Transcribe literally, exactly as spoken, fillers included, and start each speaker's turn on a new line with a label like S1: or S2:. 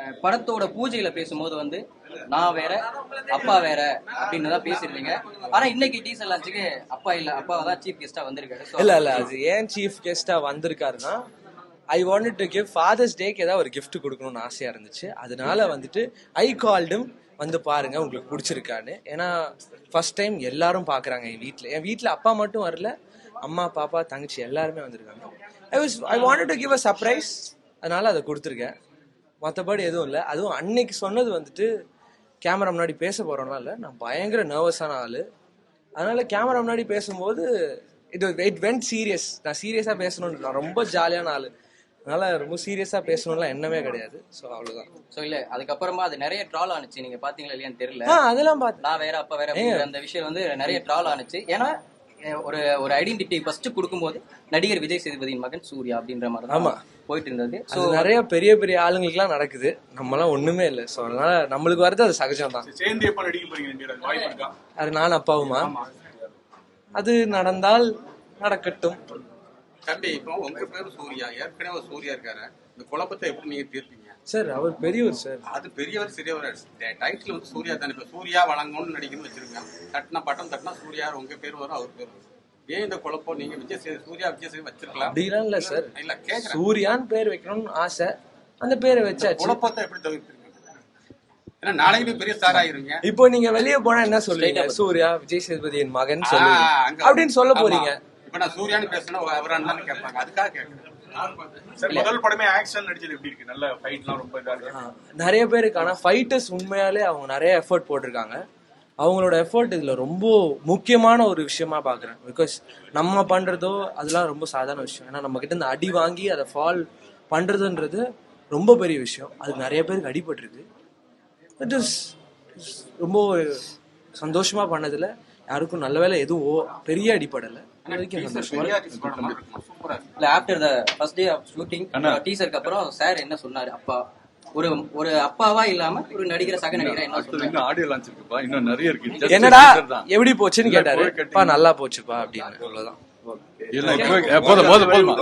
S1: படத்தோட பூஜையில பேசும்போது வந்து நான் வேற அப்பா வேற அப்படின்னு தான் பேசிருந்தீங்க. ஆனா இன்னைக்கு டீசர் லான்ச்சுக்கு அப்பா இல்ல, அப்பா தான் சீஃப் கெஸ்டா வந்திருக்காரு.
S2: இல்ல இல்ல அது ஏன் சீஃப் கெஸ்டா வந்திருக்காருன்னா, I wanted to give father's டேக்கு ஏதாவது ஒரு கிஃப்ட் கொடுக்கணும்னு ஆசையா இருந்துச்சு. அதனால வந்துட்டு ஐ கால்டும் வந்து பாருங்க உங்களுக்கு பிடிச்சிருக்கான்னு. ஏன்னா ஃபர்ஸ்ட் டைம் எல்லாரும் பாக்குறாங்க என் வீட்டில். என் வீட்டில் அப்பா மட்டும் வரல, அம்மா பாப்பா தங்கச்சி எல்லாருமே வந்திருக்காங்க. I was I wanted to give a surprise, அதனால அதை கொடுத்துருக்கேன். மற்றபடி எதுவும் இல்லை. அதுவும் அன்னைக்கு சொன்னது வந்துட்டு கேமரா முன்னாடி பேச போறோம்னா இல்லை, நான் பயங்கர நர்வஸான ஆளு. அதனால கேமரா முன்னாடி பேசும்போது இது இட் வென்ட் சீரியஸ். நான் சீரியஸா பேசணும்னு, நான் ரொம்ப ஜாலியான ஆளு, அதனால ரொம்ப சீரியஸா பேசணும்லாம் எண்ணமே கிடையாது. ஸோ அவ்வளவுதான்.
S1: ஸோ இல்ல அதுக்கப்புறமா அது நிறைய ட்ரால் ஆனிச்சு, நீங்க பாத்தீங்களா இல்லையான்னு தெரியல.
S2: அதெல்லாம் பார்த்து
S1: நான் வேற அப்பா வேற அந்த விஷயம் வந்து நிறைய ட்ரால் ஆனிச்சு. ஏன்னா ஒரு ஒரு ஐடென்டிட்டி ஃபர்ஸ்ட் கொடுக்கும்போது நடிகர் விஜய் சேதுபதியின் மகன் சூர்யா அப்படின்ற மாதிரி ஆமா போயிட்டு இருந்தது. ஸோ
S2: நிறைய பெரிய பெரிய ஆளுங்களுக்கு எல்லாம் நடக்குது, நம்மளாம் ஒண்ணுமே இல்லை. ஸோ அதனால நம்மளுக்கு வரது அது சகஜம் தான். அது நான் அப்பாவுமா, அது நடந்தால் நடக்கட்டும்.
S3: தம்பி, இப்போ உங்க பேரு சூர்யா, ஏற்கனவே சூர்யா இருக்காரு. இந்த குழப்பத்தை எப்படி நீங்க தீர்ப்பீங்க?
S2: சார் அவர் பெரியவர் சார்.
S3: அது பெரியவர் சிறியவர் டைட்டில் வந்து சூர்யா தானே. இப்ப சூர்யா வழங்கணும்னு நடிக்கணும்னு வச்சிருக்கேன். தட்டினா பட்டம் தட்டினா சூர்யா உங்க பேர் வரும், அவர் பேர் வரும். ஏன் இந்த குழப்பம்? நீங்க விஜய் சூர்யா விஜய் சேது வச்சிருக்கலாம்.
S2: அப்படிலாம் இல்ல சார்.
S3: இல்ல கேக்குறேன்,
S2: சூர்யான்னு பேர் வைக்கணும்னு ஆசை, அந்த பேரை வச்சாச்சு.
S3: குழப்பத்தை எப்படி தவிர்ப்பீங்க? ஏன்னா நாளைக்கு பெரிய ஸ்டார் ஆயிருங்க.
S2: இப்போ நீங்க வெளியே போனா என்ன சொல்றீங்க? சூர்யா விஜய் சேதுபதியின் மகன் சொல்லுவீங்க அப்படின்னு சொல்ல போறீங்க.
S3: இப்ப நான் சூர்யான்னு பேசினா அவரான்னு கேட்பாங்க, அதுக்காக கேட்கறேன்.
S4: முதல் படமே ஆக்ஷன் நடிச்சது எப்படி இருக்கு? நல்ல ஃபைட்லாம் ரொம்ப இதா இருக்கு.
S2: நிறைய பேருக்கு, ஆனா ஃபைட்டர்ஸ் உண்மையாலே அவங்க நிறைய எஃபர்ட் போட்டிருக்காங்க. அவங்களோட எஃபர்ட் இதுல ரொம்ப முக்கியமான ஒரு விஷயமா பாக்குறேன். பிகாஸ் நம்ம பண்றதோ அதெல்லாம் ரொம்ப சாதாரண விஷயம். ஏன்னா நம்ம கிட்ட இருந்து அடி வாங்கி அதை ஃபால் பண்றதுன்றது ரொம்ப பெரிய விஷயம். அது நிறைய பேருக்கு அடிபட்டிருக்கு. இட் இஸ் ரொம்ப சந்தோஷமா பண்ணதுல யாருக்கும் நல்ல வேலை எதுவும் பெரிய அடிப்படல.
S1: After the first day of shooting டீசருக்கு அப்புறம் சார் என்ன சொன்னாரு? அப்பா ஒரு ஒரு அப்பாவா இல்லாம ஒரு நடிகர் சக நடிகரா என்ன சொன்னாரு?
S4: ஆடியோ லான்ச் இருக்குப்பா, இன்னும் நிறைய இருக்கு.
S2: என்னடா எப்படி போச்சுன்னு கேட்டாரு. நல்லா போச்சுப்பா அப்படின்னு. அவ்வளவுதான்.
S4: போதும் போதும் போதும்.